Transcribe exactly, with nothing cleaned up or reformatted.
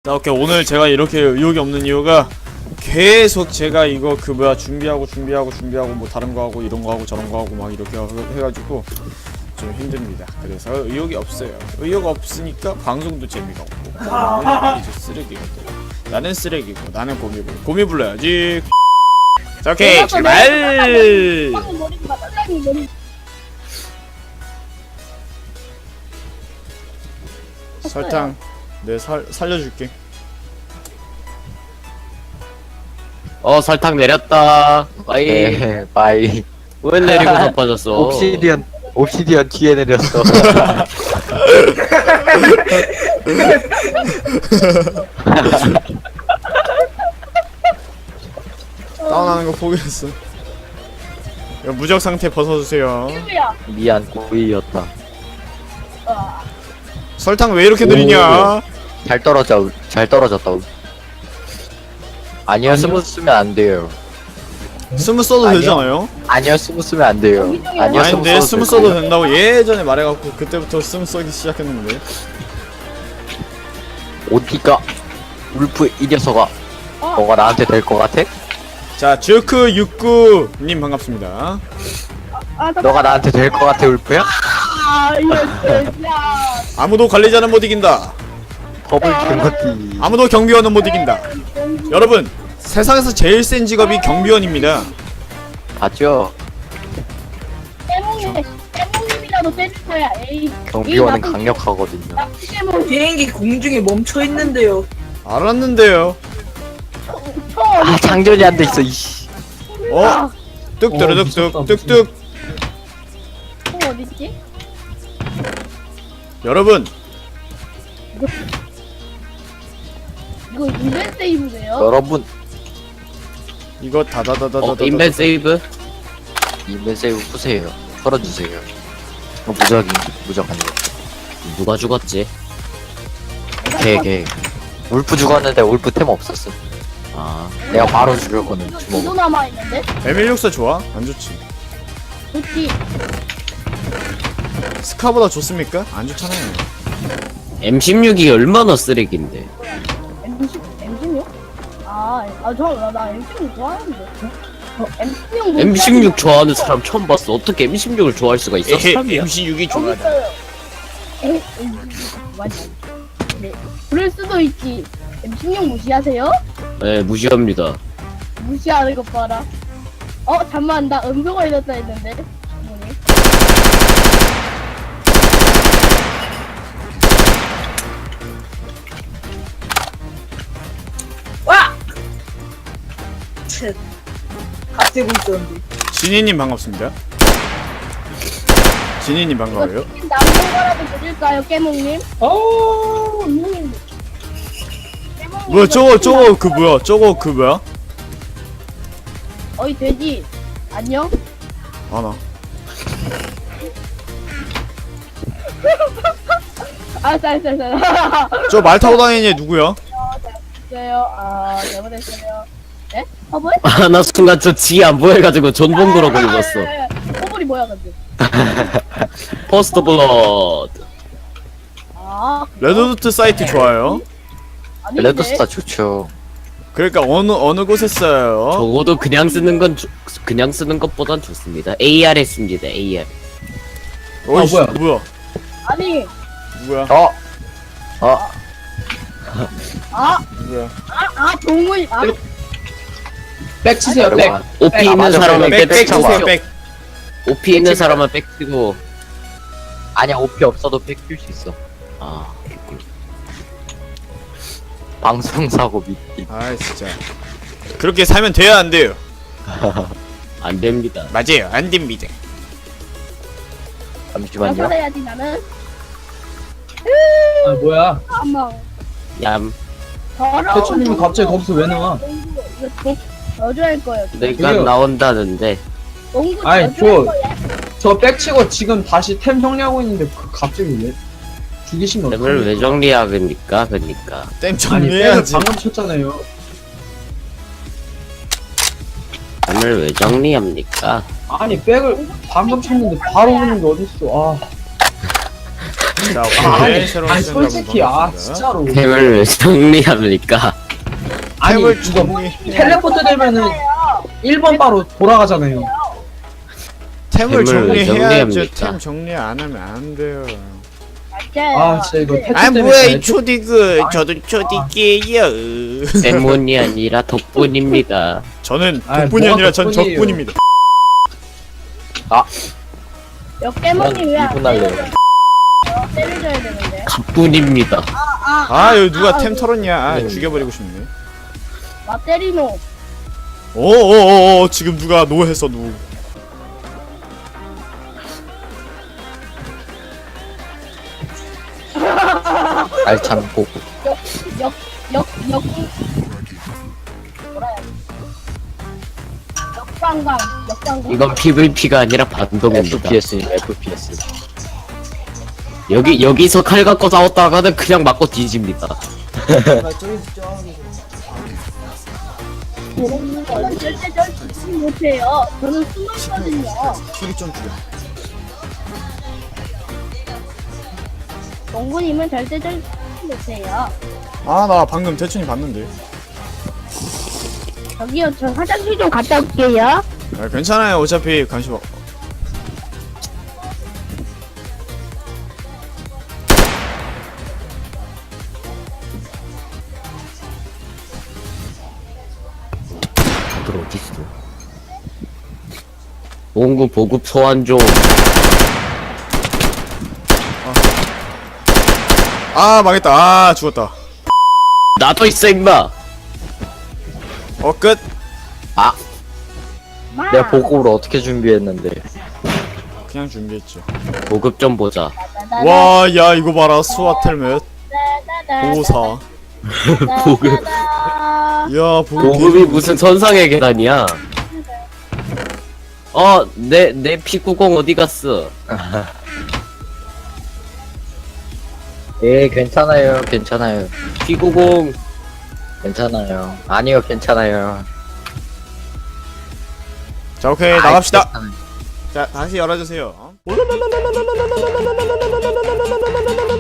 자, 오케이. 오늘 제가 이렇게 의욕이 없는 이유가 계속 제가 이거 그 뭐야 준비하고 준비하고 준비하고 뭐 다른 거 하고 이런 거 하고 저런 거 하고 막 이렇게 해가지고 좀 힘듭니다. 그래서 의욕이 없어요. 의욕 없으니까 방송도 재미가 없고 나는 이제 쓰레기가 돼. 나는 쓰레기고 나는 고미 불러 고미 불러야지. 자, 오케이 출발. 설탕 내 살 살려줄게. 어 설탕 내렸다. 빠이. 네, 빠이. 왜 내리고 자빠졌어? 옵시디언, 옵시디언 뒤에 내렸어. 다운하는 거 포기했어. 야, 무적 상태 벗어주세요. 미안, 고의였다. 설탕 왜 이렇게 느리냐? 잘 떨어져, 잘 떨어졌다. 아니요, 스무스 쓰면 안 돼요. 스무 써도 아니요. 되잖아요. 아니요, 스무스 쓰면 안 돼요. 아니요, 아닌데 스무스 스무 써도 써도 된다고 예전에 말해갖고 그때부터 스무 써기 시작했는데. 어디가? 울프 이 녀석아. 너가 나한테 될 것 같아? 자, 주크 육구님 반갑습니다. 너가 나한테 될 것 같아, 울프야? 아, 이거 진짜. 아무도 관리자는 못 이긴다. 버블 킹거티. 아무도 경비원은 못 이긴다. 여러분, 세상에서 제일 센 직업이 경비원입니다. 봤죠? 깨몽이, 깨몽님이라도 때릴 거야. 에이. 경비원은 에이, 나쁜 강력하거든요. 나쁜 깨몽. 비행기 공중에 멈춰 있는데요. 알았는데요. 총 아, 장전이 안 돼 있어, 이씨. 어? 뚝뚜루뚝뚝 뚝뚝. 총 어딨지? 여러분, 이거 인벤 세이브네요. 여러분, 이거 어 다다다다다다. 인벤 세이브? 인벤 세이브 푸세요. 털어주세요. 어, 무적이, 무적 아니고. 누가 죽었지? 걔, 걔. 울프 죽었는데 울프 템 없었어. 아 내가 바로 죽였거든, 이거 주먹으로. 이거 남아 있는데? 에밀육사 좋아? 안 좋지. 좋지. 스카보다 좋습니까? 안 좋잖아요. 엠 십육이 얼마나 쓰레기인데. 엠십, 엠십육? 아, 아, 저, 나, 나 엠십육 좋아하는데. 어, 엠십육. 엠 십육 좋아하는 사람 처음 봤어. 어떻게 엠 십육을 좋아할 수가 있어? 에헤, 사람이야. 엠씨육이 여기 좋아하다. 있어요. 에이, 에이, 맞아. 네. 그럴 수도 있지. 엠십육 무시하세요? 네 무시합니다. 무시하는 것 봐라. 어, 잠만, 나 음소 걸렸다 했는데. 뭐니? 와! 쳇. 갓대고 있었는데. 진이님 반갑습니다. 진이님 반가워요. 이거 남는 거라도 드릴까요, 깨몽님? 어, 깨몽님. 뭐야 저거 저거 그 뭐야 저거 그 뭐야? 어이, 돼지. 안녕? 아나. 알았어, 알았어, 알았어. 저 말 타고 다니는 얘 누구야? 잘못했어요. 아, 잘못했어요. 네? 허벌? 아 나 순간 저 지 안 보여가지고 존봉그러고 읽었어. 허벌이 뭐야, 근데? 퍼스트 블러드. 아, 레드도트 사이트 좋아요. 아닌데? 레드스타 좋죠. 그러니까 어느 어느 곳에 써요? 적어도 그냥 쓰는 건 조, 그냥 쓰는 것보단 좋습니다. 에이알 했습니다. 에이알. 어이씨, 뭐야? 뭐야? 아니, 누구야? 어? 어? 아, 누구야? 아, 아, 동물, 아, 백 치세요, 백. 여러분, 오피 아, 있는 맞아, 사람은 백, 백, 백 빽 주세요, 치고. 백. 오피 있는 사람은 빽 치고. 아니야, 오피 없어도 팩 줄 수 있어. 아 방송사고 미팅. 아 진짜. 그렇게 살면 돼야 안 돼요. 안 됩니다. 맞아요, 안 됩니다. 잠시만요. 몇번 해야지, 나는? 아, 뭐야. 한번. 얌. 더러워. 대추님이 갑자기 거기서 왜 나와? 농구, 이거 저, 저주할 거예요. 내가 저기요. 나온다는데. 농구 아이, 저주할 저- 거야. 저 백 치고 지금 다시 템 정리하고 있는데 그 갑자기 왜? 죽이시면 lem을 왜 어떡합니까? 정리하겠니까? 그니까. 땜 아니, 백을 정리해야지. 방금 쳤잖아요. lem을 왜 정리합니까? 아니, 백을 방금 쳤는데 바로 오는 게 어딨어. 아. 자, 아, 오케이. 아니, 새로운 아니 시청자분 솔직히 아 반갑습니다. 진짜로 템을 정리합니까? 아니 템을 이거 정리 텔레포트 되면은 일 번 바로 돌아가잖아요. 템을 템을 정리해야죠. 정리합니까? 템 정리 안 하면 안 돼요. 맞아요. 아 진짜 이거 패치 아 때문에 뭐야 이 잘- 초디그 저도 초디게요. 때문이 아니라 덕분입니다. 저는 아이, 덕분이 뭐가 아니라 전 덕분이에요. 적분입니다. 역대문이 왜안 이분 할래요. 때려줘요? 때려줘야 되는데. 갑분입니다. 아 여기 누가 템 털었냐? 아 음. 죽여버리고 싶네. 마 때리노. 오오오오 지금 누가 노 했어 노. 알찬 보고. 역역역 역. 뭐라 해야 돼? 역광광 역광광. 이건 피브이피가 아니라 반동입니다. 에프피에스 에프피에스. 여기 여기서 칼 갖고 싸웠다가는 그냥 맞고 뒤집니다. 저는 절대 절대 못해요. 저는 숨었거든요. 소리 좀 줄여. 농구님은 절대 절대 못해요. 아 나 방금 대충이 봤는데. 저기요, 저 화장실 좀 갔다 올게요. 아, 괜찮아요. 어차피 관심 없. 다들 어딨어? 농구 보급 소환 좀. 아 망했다. 아 죽었다. 나도 있어 임마. 어 끝. 마. 내가 보급으로 어떻게 준비했는데. 그냥 준비했죠. 보급 좀 보자. 와 야 이거 봐라 스와텔 몇 오사. 보급. 야 보급. 보급이 무슨 선상의 계단이야? 어, 내, 내 피구공 어디 갔어? 예 괜찮아요 괜찮아요 피구공. 괜찮아요. 아니요 괜찮아요. 자 오케이 아이, 나갑시다. 어? 괜찮아요. 자 다시 열어주세요.